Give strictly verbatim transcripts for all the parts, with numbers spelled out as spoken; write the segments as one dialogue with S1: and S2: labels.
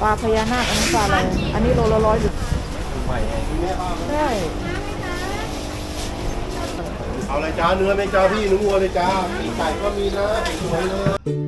S1: ปลาพญานาคอันนี้ปลาอะไรอันนี้โลละร้อยหรือใช่
S2: เอาเลยจ้าเนื้อไม่จ้าพี่เนื้อวัวเลยจ้าปีกไก่ก็มีนะสวยเลย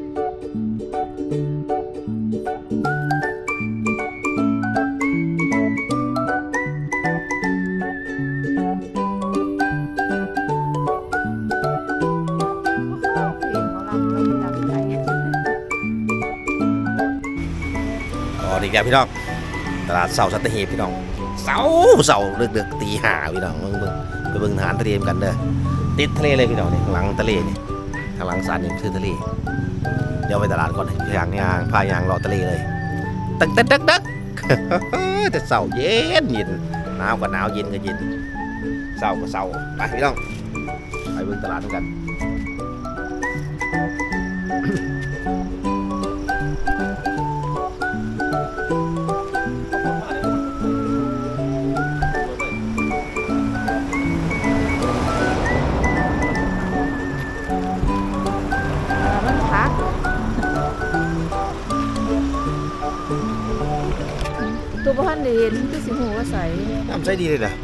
S3: อ๋อดีแกพี่น้องตลาดเสาสัตหีบพี่น้องเสาเสาเดือกๆตีห้าพี่น้องเบิ่งเบิ่งไปเบิ่งทหารทะเลกันเด้อติดทะเลเลยพี่น้องนี่ข้างหลังทะเลนี่ข้างหลังศาลนี่คือทะเลเดี๋ยวไปตลาดก่อนยางยางพายางรอทะเลเลยตึกตึกตึกตึกแต่เสาเย็นเย็นหนาวก็หนาวเย็นก็เย็นเสาก็เสาไปพี่น้องไปเบิ่งตลาดด้วยกัน
S1: มันพักตัวบ้านเห็นคือสีหูว่าใส
S3: น้ำใสดีเลยเหรอ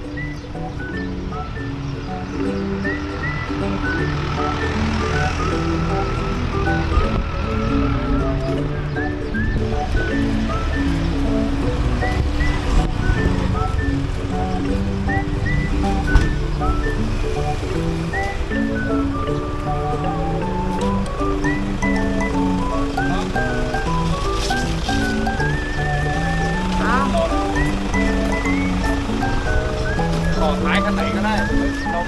S2: ต่อท้ายคันไหนก็ได้เรา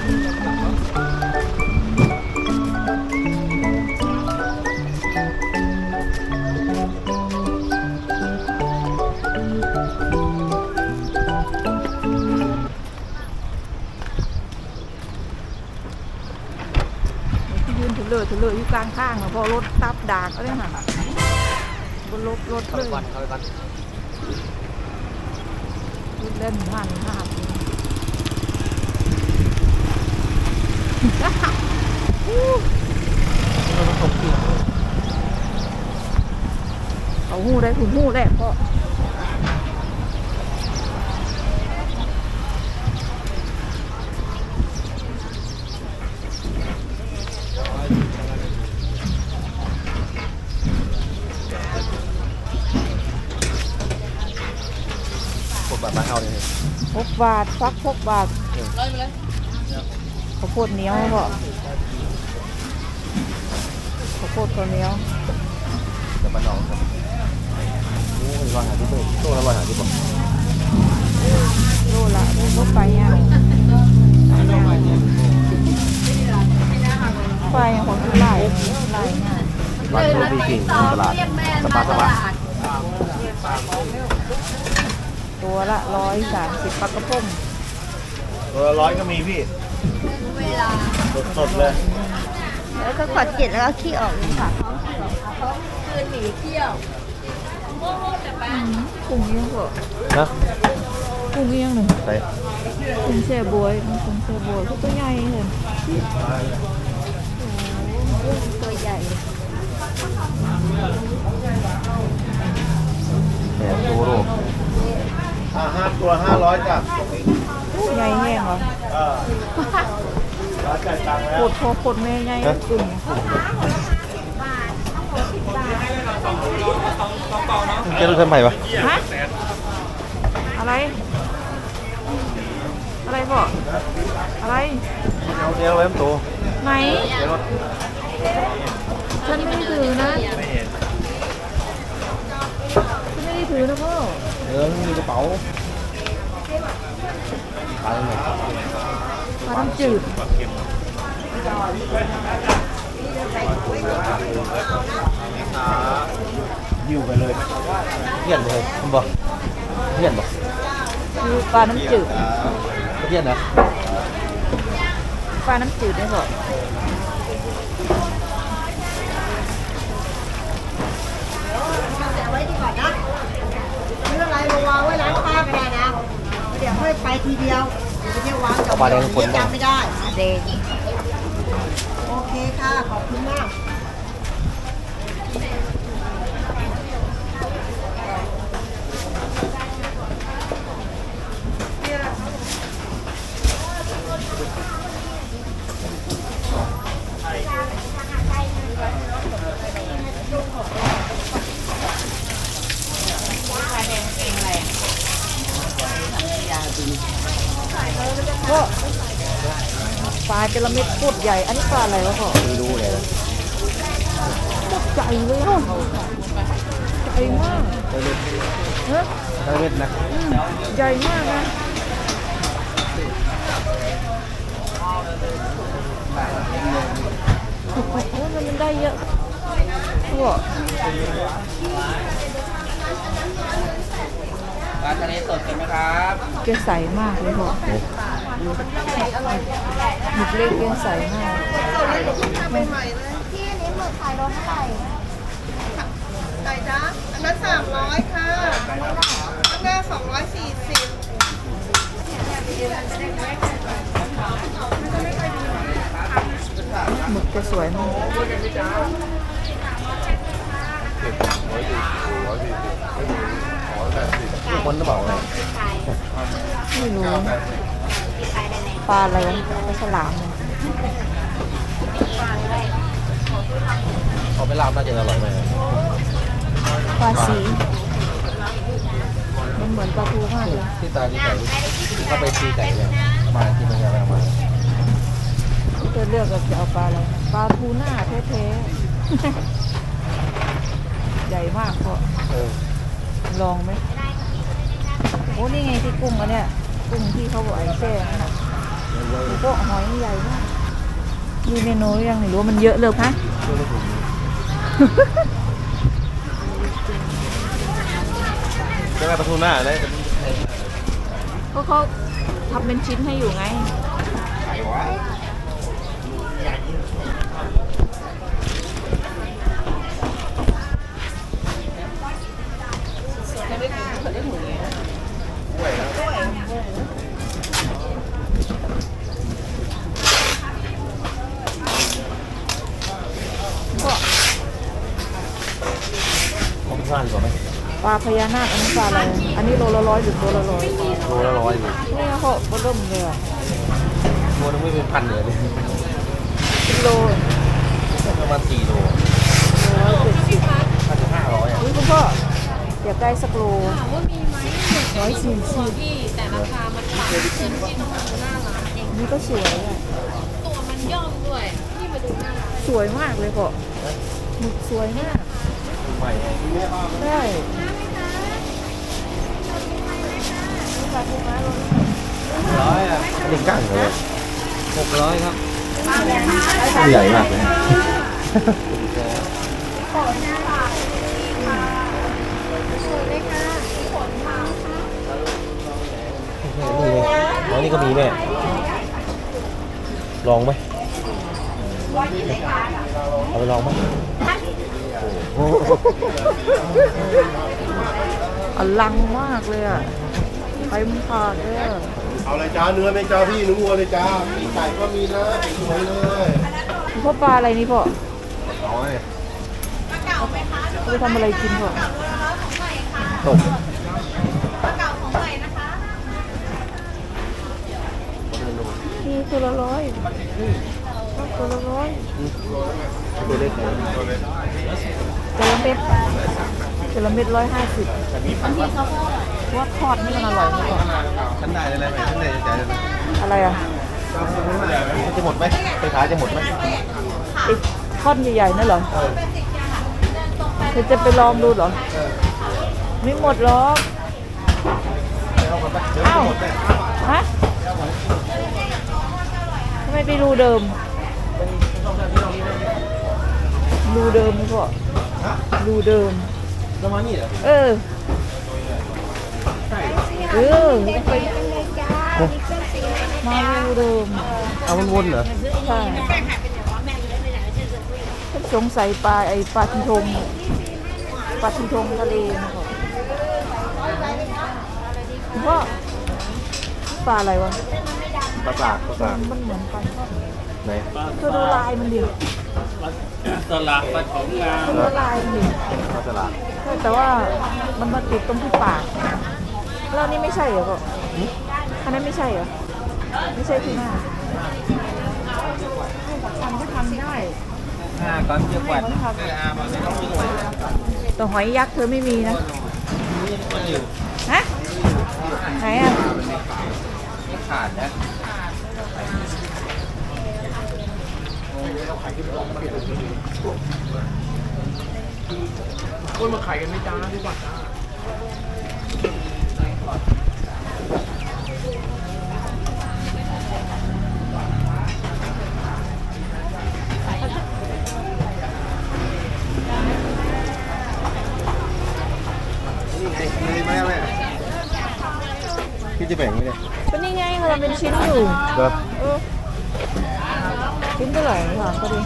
S1: ยืนถือเลยถือเลยอยู่กลางข้างพอรถตับดากก็ได้หันบนรถรถเลยเล่นผ่านผ่านเขาหูได้คุณหูได้เพราะ
S3: กดบัตรบ้านเฮาเลย
S1: หกบาทฟักหกบาทข้าวโพดเหนียวเพราะข้าวโพดตัวเหนียว
S3: จะมาหนองครับโอ้ยว่าหาที่เปิดโตแล้วว่าหาที่บอก
S1: โลละรถไฟย่างไฟของที่ไล่ไล่ง่าย
S3: บ้านโชว์บีกิ่งตลาดสปาสปา
S1: ตัวละร้อยสามสิบปลากระพง
S2: ตัวละร้อยก็มีพี่สดๆเลย
S4: แล้วก็ขอดเกล็ดแล้วก็ขี้ออกเลยค่ะ
S1: กุ้งเอี้ยงก็
S3: นะ
S1: กุ้งเอี้ยงหนึ่ง
S3: ใส่
S1: กุ้งแช่บวยกุ้งแช่บวยก็ตัวใหญ่เลย
S4: ตัวใหญ่
S3: แหนโตโร่
S2: อ่าห้าตัวห้าร้อยจ้ะ
S1: กุ้งใหญ่แห้งเหรอ
S2: เออร้อยจ่ายตังค์แล้
S1: โคว ตรพอโคตรแม่ใหญ่กุ้ง
S3: เจ้าลูกเส้นใหม่ปะ
S1: ฮะอะไรอะไรพ่ออะไร
S3: เอาเดี๋ยวไว้มันโต
S1: ไหน
S3: เดี๋ยวรถ
S1: ฉันไม่ได้ถือนะฉันไม่ได้ถือนะพ่อ
S3: เออมีกระเป๋าไปเลย
S1: ปลาน้ำจืด
S2: ยิ้วไปเลย
S3: เพี้ยนเลยคุณบอกเพี้ยนบอก
S1: คือปลาน้ำจืด
S3: เพี้ยนนะ
S1: ปลาน้ำจืดได้พ่อ
S4: ไว้ดีกว่านะซื้ออะไรมาวางไว้ร้านป้าก็ได้นะเดี๋ยวค่อยไปทีเดียวเดี๋ยวไปเที่ยววางกับเดี๋ยวจำไม่ได้เด็กโอเคค่ะ ขอบคุณมาก
S1: จระเม็ดโคตรใหญ่อันนี้ปลาอะไรวะพ่อ
S3: ไม่รู้เลย
S1: โคตรใหญ่เลยอ่ะใหญ่มากเนอะ
S3: ทะเลเม็ดนะ
S1: อืมใหญ่มากนะโอ้โหมันได้เยอะพ่อ
S3: ปลาทะเลสดกันไหมครับ
S1: แกใสมากเลยพ่อหมึกเล็กแกใสมาก
S4: ที่นี้หมึกขายโลเท่าไหร่ไก่จ้าอันนั้นสามร้อยค่ะข้างหน้าสองร้อยสี่สิบ
S1: หมึกจะสวยมาก
S3: ทุกคนจะบอกเลย
S1: ไม่รู้ปลาอะไรวะปลาฉลามเนี่ย
S3: เขาไปลาบน่าจะอร่อยไหม
S1: ปลาสีมันเหมือนปลาทูมากเลย
S3: ที่ตาที่ไก่ที่เขาไปตีไก่เนี่ยมาที่มันจะเอามา
S1: จะเลือกกับจะเอาปลาอะไรปลาทูน่าแท้ๆใหญ่มากพ่อ
S3: เออ
S1: ลองไหมโอ้นี่ไงที่กุ้งอันเนี้ยกุ้งที่เขาบอกไอ้แช่นั่นน่ะพวกหอยใหญ่มากมีเมนูยังไม่รู้ว่ามันเยอะเลยฮะ
S3: ใช่ไหมปลาทูน่าเลย
S1: ก็เขาทำเป็นชิ้นให้อยู่ไงก็
S3: ของข้าวดีกว่าไหม
S1: ปลาพญานาคอันนี้ปลาอะไรอันนี้โลละร้อยหรือตัวละร้อย
S3: โลละร้อยอยู่
S1: นี่เขาบเริ่มเลยอ่ะ
S3: ตัวนึงไม่เป็นพันเลย
S1: กิโล
S3: ประมาณสี่โล
S1: ร้อยเจ็ดสิบ
S3: ถ้าถึงห้าร้อยอ่ะ
S1: อุ้ยคุณพ่ออยากได้สักโล
S5: ถามว่ามีไหมหมึก
S1: ร้อยสี่
S5: ตั
S1: สิ
S5: ว
S1: บ
S5: พี่แต่ราคามันต่างขึ้นที่หน้าร้านเอง
S1: นี่ก็สวยอ่ะ
S5: ตัวมันย่อมด้วยพี่มาดูหน้าร้าน
S1: สวยมากเลยพ่อหมึกสวยมาก
S3: ใหม่
S1: ได้ปลาทูม้าโลนี้
S3: ร้อยอ่ะหนึ่งก้างเลยหกร้อยครับใหญ่มากเลยนี่นี่ก็มีแม่ลองไหมเอาไปลองไหม
S1: อลังมากเลยอ่ะไปมึงขาดเลยอะ
S2: เอาเลยจ้าเนื้อไหมจ้าพี่เนื้อวัวเลยจ้าปีกไก่ก็มีนะสวยเลย
S1: พ่อปลาอะไรนี่พ่อ
S3: เอาไง
S1: เอาไปทำอะไรกินพ่อ
S3: ตก
S1: นี่ตัวละร้อยตัวละร้อย
S3: ตัวเล็กเลย
S1: จระเม็ดจระเม็ดร้อยห้าสิบว่าทอดนี่มันอร่อยไหมพ่อ
S3: ฉันได้เลยไหมฉันได้ใจเลย
S1: อะไรอ่ะ
S3: จะหมดไหมไปขายจะหมดไหม
S1: ไอ้ท่อนใหญ่ๆนั่นเหรอเธอจะไปลองดูเหรอไม่หมดหรอกอ้าวฮะทำไมไปรูเดิมรูเดิมนี่พ่อรูเดิม
S3: ประมาณนี้เหรอ
S1: เออเออไปมารูเดิม
S3: เอามันวนเหรอ
S1: ใช่ฉันสงสัยปลาไอ้ปลาทิงทงปลาทิงทงทะเลนะครับคุณพ่อปลาอะไรวะ
S3: ปลาสากปลาสาก
S1: มันเหมือนปลาช่อน
S3: ไหน
S1: เธอดูลายมันดิ
S6: ตลาดปฐมงาม
S1: เธอดูลายมันดิ
S3: ปลาสลาก
S1: ใช่แต่ว่ามันมาติดตรงที่ปากแล้วนี่ไม่ใช่เหรอพ่ออันนั้นไม่ใช่เหรอไม่ใช่ที่หน้าทำก็ทำได้
S3: ห้าก้อนเทียบกว่า
S1: แต่หอยยักษ์เธอไม่มีนะฮะไหนอ่ะ
S3: ไม่ขาดนะ
S6: คนมาขายกันไม่จ้าดีกว่าจ้า
S2: นี่ไงเลยไหมแม่พี่จะแบ่งไหมเนี่ย
S1: ก็นี่ไงเราเป็นชิ้นอยู่
S2: เด้อ
S1: เออชิ้นเท่าไหร่ถามก็ดี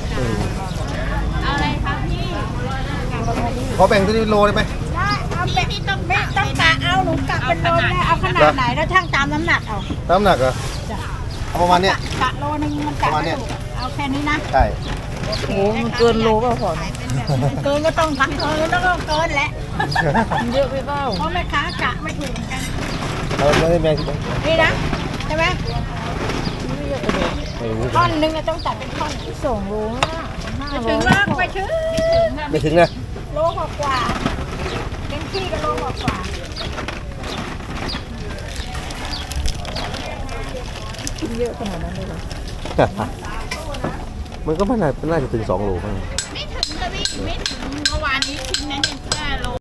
S2: ขอแบ่งตัวนี้โลได้ไหม
S4: ได้เอาเป็นไม่ต้องกะเอาหนูกะเป็นโลได้เอาขนาดไหนแล้วช่างตามน้ำหนักเอา
S2: น้ำหนักเหรอเอาประมาณเนี้ย
S4: กะโลนึงมันกะไม่ถูกเอาแค่นี้นะ
S2: ใช่
S1: โอ้มันเกินโลเปล่าพอนะ
S4: เกินก็ต้องทักเกินแล้วก็เกินแหละ
S1: มันเยอะไปเปล่า
S4: เพราะแม่ค้ากะไม่ถูกเหมือนกัน
S2: เอาไม่ให้แม่คิด
S4: นี่นะใช่ไหม
S1: ไม่เยอะกว่าเดิม
S2: ไม่รู้
S4: ท่อนหนึงอะต้องจัดเป็นท่อน
S1: สองโลห้าห้า
S4: ไม่
S1: โล
S4: ถึงว่าไปถึง
S2: ไม่ถึงนะ
S4: โลกว่ากว่าเต็มที่ก็โลกว่ากว่า
S1: ชิ้นเยอะขนาดนั้นเลยเหรอ
S2: มันก็ไม่น่าน่าจะถึงสองโลมั้ง
S5: ไม่ถึงกะพี่ไม่ถึงเมื่อวานนี้ชิ้นนั้นยังแค่โล